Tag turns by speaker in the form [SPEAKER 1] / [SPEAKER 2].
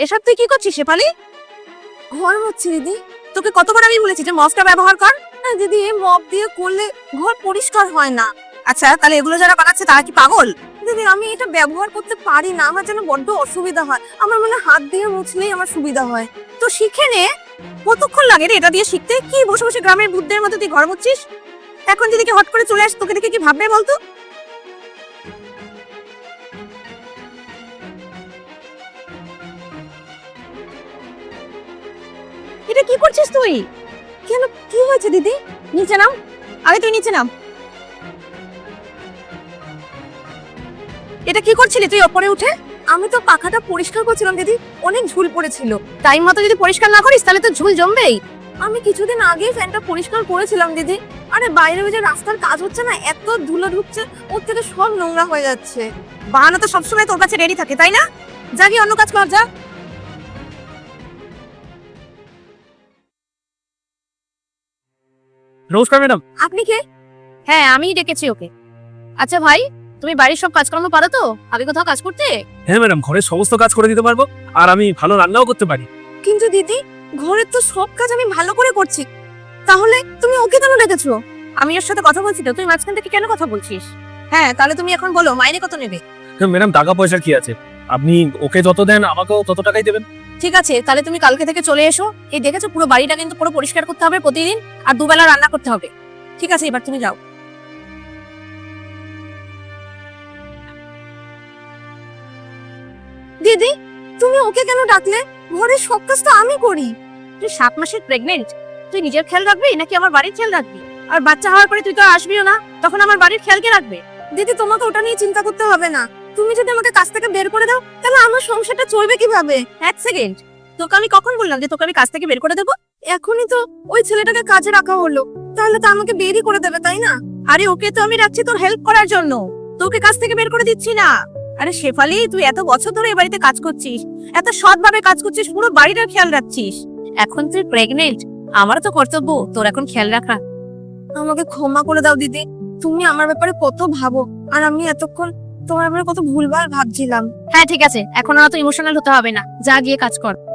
[SPEAKER 1] এসব তুই কি করছিস শেফালি?
[SPEAKER 2] ঘর মুছছি দিদি।
[SPEAKER 1] তোকে কতবার আমি বলেছি যে মপটা ব্যবহার কর।
[SPEAKER 2] না দিদি, এই মপ দিয়ে করলে ঘর পরিষ্কার হয় না।
[SPEAKER 1] আচ্ছা তাহলে এগুলো যারা বানাচ্ছে তারা কি পাগল?
[SPEAKER 2] দিদি আমি এটা ব্যবহার করতে পারি না, আমার যেন বড্ড অসুবিধা হয়। আমার মনে হয় হাত দিয়ে মুছলেই আমার সুবিধা হয়।
[SPEAKER 1] তো শিখে নে। কতক্ষণ লাগে রে এটা দিয়ে শিখতে? কি বসে বসে গ্রামের বুদ্ধের মতো তুই ঘর মুছছিস? এখন যদি কি হট করে চলে আস, তোকে দেখে কি ভাববে বলতো? এটা কি করছিস তুই?
[SPEAKER 2] কেন, কি হয়েছে দিদি?
[SPEAKER 1] নিচে নাম, আগে তুই নিচে নাম। এটা কি করছিলি তুই ওপরে উঠে?
[SPEAKER 2] আমি তো পাখাটা পরিষ্কার করছিলাম দিদি, অনেক ঝুল পড়েছিল।
[SPEAKER 1] টাইম মতো যদি পরিষ্কার না করিস তাহলে তো ঝুল জমবেই।
[SPEAKER 2] আমি কিছুদিন আগেই ফ্যানটা পরিষ্কার করেছিলাম দিদি। আরে বাইরে ওই যে রাস্তার কাজ হচ্ছে না, এত ধুলো ঢুকছে, ওর থেকে সব নোংরা হয়ে যাচ্ছে।
[SPEAKER 1] বাহানা তো সবসময় তোর কাছে রেডি থাকে, তাই না? যা গিয়ে অন্য কাজ কর, যা।
[SPEAKER 3] নমস্কার ম্যাডাম।
[SPEAKER 2] আপনি কে?
[SPEAKER 1] হ্যাঁ আমিই ডেকেছি ওকে। আচ্ছা ভাই, তুমি বাড়ির সব কাজকর্ম পারো তো? আগে কোথাও কাজ করতে?
[SPEAKER 3] হ্যাঁ ম্যাডাম, ঘরের সমস্ত কাজ করে দিতে পারবো, আর আমি ভালো রান্নাও করতে পারি।
[SPEAKER 2] কিন্তু দিদি, ঘরের তো সব কাজ আমি ভালো করে করছি, তাহলে তুমি ওকে কেন ডেকেছো?
[SPEAKER 1] আমি ওর সাথে কথা বলছি তো, তুই মাঝখান থেকে কেন কথা বলছিস? হ্যাঁ তাহলে তুমি এখন বলো মাইনে কত নেবে?
[SPEAKER 3] হ্যাঁ ম্যাডাম, টাকা পয়সার কি আছে, আপনি ওকে যত দেন আমাকেও তত টাকাই দেবেন।
[SPEAKER 1] ঠিক আছে, তাহলে তুমি কালকে থেকে চলে এসো। এই দেখেছো, পুরো বাড়িটা কিন্তু পুরো পরিষ্কার করতে হবে প্রতিদিন, আর দুবেলা রান্না করতে হবে। ঠিক আছে, এবার তুমি যাও।
[SPEAKER 2] দিদি, তুমি ওকে কেন ডাকলে? ঘরের সব কাজ তো আমি করি।
[SPEAKER 1] তুই 7 মাসের প্রেগনেন্ট, তুই নিজের খেয়াল রাখবি নাকি আমার বাড়ির খেয়াল রাখবি? আর বাচ্চা হওয়ার পরে তুই তো আসবিও না, তখন আমার বাড়ির খেয়াল কে রাখবে?
[SPEAKER 2] দিদি তোমাকে ওটা নিয়ে চিন্তা করতে হবে না। তুমি যদি আমাকে কাজ থেকে বের করে দাও, তাহলে আমার সংসারটা চলবে কিভাবে?
[SPEAKER 1] এক সেকেন্ড, তোকে আমি কখন বললাম যে তোকে আমি কাজ থেকে বের করে দেবো?
[SPEAKER 2] এখনই তো ওই ছেলেটাকে কাজে রাখা হলো, তাহলে তো আমাকে বেরই করে দেবে, তাই না?
[SPEAKER 1] আরে ওকে তো আমি রাখছি তোর হেল্প করার জন্য, তোকে কাজ থেকে বের করে দিচ্ছি না। আরে শেফালি, তুই এত বছর ধরে এই বাড়িতে কাজ করছিস, এত সৎভাবে কাজ করছিস, পুরো বাড়িটার খেয়াল রাখছিস। এখন তুই প্রেগনেন্ট, আমারও তো কর্তব্য তোর এখন খেয়াল রাখা।
[SPEAKER 2] আমাকে ক্ষমা করে দাও দিদি, তুমি আমার ব্যাপারে কত ভাবো, আর আমি এতক্ষণ তোমার ব্যাপারে কত ভুলভাল ভাবছিলাম।
[SPEAKER 1] হ্যাঁ ঠিক আছে, এখন আর তো ইমোশনাল হতে হবে না, যা গিয়ে কাজ কর।